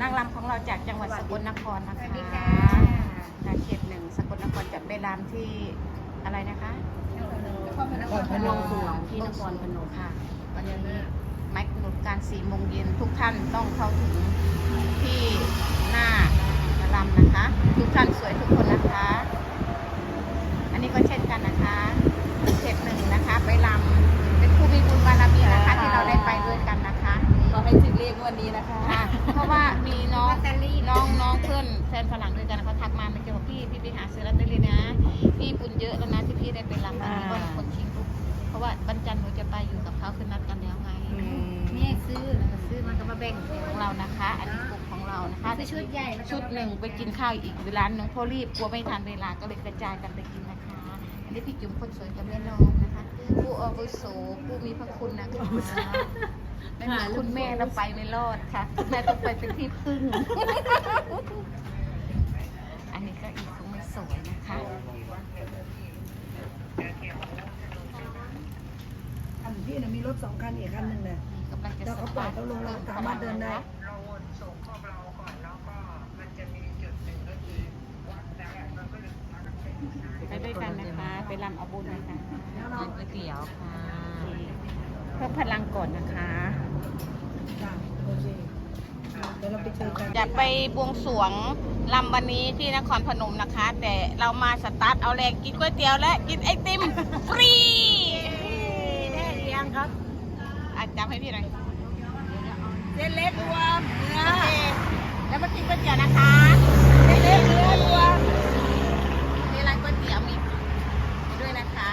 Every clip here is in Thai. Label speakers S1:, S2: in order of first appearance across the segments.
S1: นางรำของเราจากจังหวัดสกลนครนะคะจากเขตหนึ่งสกลนครจะไปรำที่อะไรนะคะนครพนมที่นครพนมค่ะวันนี้ไม้กำหนดการ4 โมงเย็นทุกท่านต้องเข้าถึงที่หน้ารำนะคะ ทุกท่านสวยทุกคนนะคะ อันนี้ก็เช่นกันนะคะเขตหนึ่งนะคะไปรำเป็นผู้มีบุญบารมีนะคะที่เราได้ไปด้วยกันนะคะ
S2: เราให้ถึงเลขวันนี้นะคะ
S1: เพราะว่ามีน้องเพื่อนแฟนฝรั่งด้วยกันเขาทักมาไม่เกี่ยวกับพี่ไปหาซื้อลอตเตอรี่นะพี่บุญเยอะแล้วนะที่พี่ได้ไปรำอันนี้ก็คนชิงลูกเพราะว่าบรรจันหนูจะไปอยู่กับเขาคือนัดกันแล้วไง
S2: นี่ซื้อมันก็มาแบ่ง
S1: ของเรานะคะอันนี้กลุ่มของเรานะคะ
S2: ชุดใหญ่
S1: ชุดหนึ่งไปกินข้าวอีกร้านหนึ่งเพราะรีบกลัวไม่ทันเวลาก็เลยกระจายกันไปกินนะคะอันนี้พี่จุ๋มคนสวยกับแม่น้องนะคะผู้อาวุโสผู้มีพระคุณนะคะไม่มีคุณแม่เราไปไม่รอดค่ะคุณแม่ต้องไปเป็นที่พึ่งอันนี้ก็อีกคงไม่สวยนะคะ
S3: อันพี่มีรถ2 คันอีกคันหนึ่งเนี่ยเราเขาปล่อยเขาลงเราสามารถเดินได้
S4: เราวนส่งพวกเราก่อนแล้วก็มันจะมีจุดหนึ่งก็คือวัดแล้วเราก็เลย
S1: ไปด้วยกันนะคะไปรำเอาบุญนะคะ
S2: กินก๋วยเตี๋ยวค่ะ
S1: เพิ่มพลังก่อนนะคะ
S3: โอเคเดี๋ยวเราไปเจอกัน
S1: จะไปบวงสรวงรำวันนี้ที่นครพนมนะคะ แต่เรามาสตาร์ทเอาแรงกินก๋วยเตี๋ยวและกินไอติมฟรี
S2: ได้หรือยังครับ
S1: จำให้พี่หน่อย
S2: เส้นเล็กรวมเนื้อ
S1: แล้วมากินก๋วยเตี๋ยวนะคะ
S2: เส้นเล็กเนื้อรวม
S1: นี่ร้านก๋วยเตี๋ยวมีด้วยนะคะ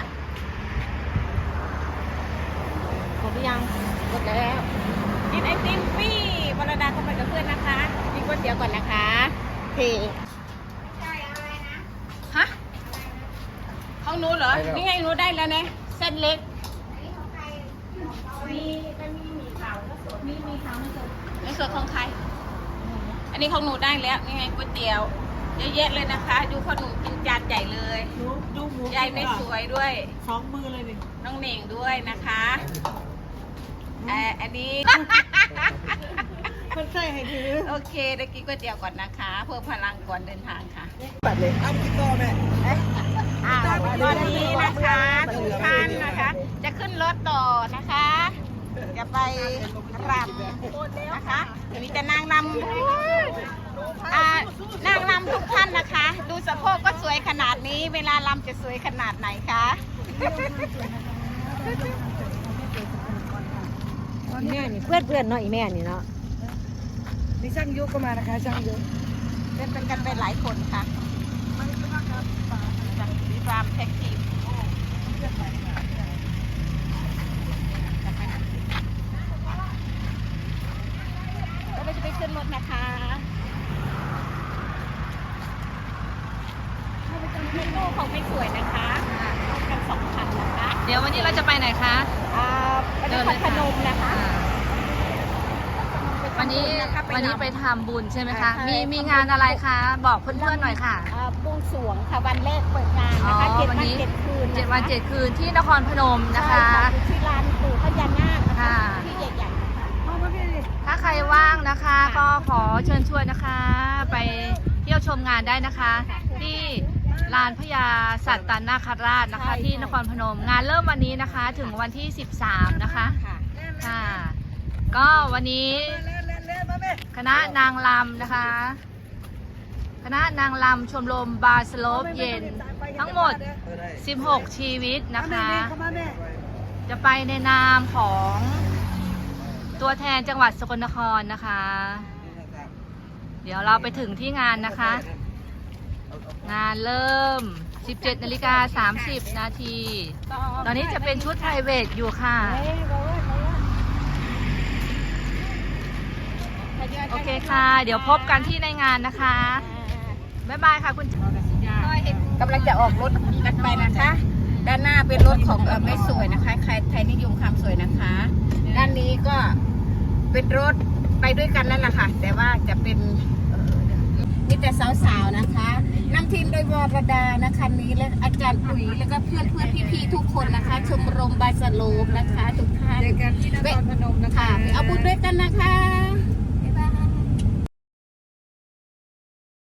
S1: หมดหรือยังหมดแล้วกินไอติมฟรีวรดาเข้าไปกับเพื่อนนะคะกินก๋วยเตี๋ยวก่อนนะคะเทใช่อะไรนะฮะของหนูเหรอนี่ไงหนูได้แล้วเนี่ยเส้นเล็กมีขาวและสดมีขาวและสดในส่วนของใครอันนี้ของหนูได้แล้วนี่ไงก๋วยเตี๋ยวเยอะแยะเลยนะคะดูพ่อหนูกินจานใหญ่เลย
S3: ดูหมู
S1: ใหญ่ไม่สวยด้วย
S3: 2 มือเลยดิ
S1: น้องเหน่งด้วยนะคะอันนี้
S3: คนใส่ให้ถือ
S1: โอเคได้กินก๋วยเตี๋ยวก่อนนะคะเพื่อพลังก่อนเดินทางค่ะ
S3: ปัดเลยเอาพี่ต่อแม่
S1: ตอนนี้นะคะทุกท่านนะคะจะขึ้นรถต่อนะคะจะไปรำนะคะมีแต่นางรำนางรำทุกท่านนะคะดูสะโพกก็สวยขนาดนี้เวลารำจะสวยขนาดไหนคะ
S2: แม่นี่เพื่อนเนาะอีแม่นี่เนาะ
S3: มีช่างยุก็มานะคะช่างยุ
S1: เป็นกันไปหลายคนค่ะมีความแท็กทีมแล้วเราจะไปขึ้นรถนะคะโลกของไม่สวยนะคะรถกัน2 คันนะคะ
S2: เดี๋ยววันนี้เราจะไปไหนคะ
S1: ไปนครพนมนะคะ
S2: วันนี้ไปทำบุญใช่ไหมคะมีงานอะไรคะบอกเพื่อนๆหน่อยค่ะ
S1: บวงสรวงค่ะวันแรกเปิดงานนะคะ7 วัน 7 คืน
S2: 7 วัน 7 คืนที่นครพนมนะคะ
S1: ที่ลานปู่พญานาคนะคะที่ใหญ่
S2: ๆถ้าใครว่างนะคะก็ขอเชิญชวนนะคะไปเที่ยวชมงานได้นะคะที่ลานพญาสัตตนาคราชนะคะที่นครพนมงานเริ่มวันนี้นะคะถึงวันที่13นะคะค่ะก็วันนี้คณะนางรำนะคะคณะนางรำชมรมบาสโลปเย็นทั้งหมด16 ชีวิตนะคะจะไปในนามของตัวแทนจังหวัดสกลนครนะคะเดี๋ยวเราไปถึงที่งานนะคะงานเริ่ม 17:30 นาทีตอนนี้จะเป็นชุดไพรเวทอยู่ค่ะโอเคค่ะเดี๋ยวพบกันที่ในงานนะคะบ๊ายบายค่ะคุณ
S1: กำลังจะออกรถกันไปนะคะด้านหน้าเป็นรถของไม่สวยนะคะใครไทยนิยมความสวยนะคะด้านนี้ก็เป็นรถไปด้วยกันนั่นแหละค่ะแต่ว่าจะเป็นมีแต่สาวๆนะคะนำทีมโดยวรดานะคะนี้และอาจารย์ปุ๋ยแล้วก็เพื่อนพี่ๆทุกคนนะคะชมรมบาสโลปนะคะทุกท่าน
S2: เจอกันที่นครพนมนะคะ
S1: เอาบุญด้วยกันนะคะ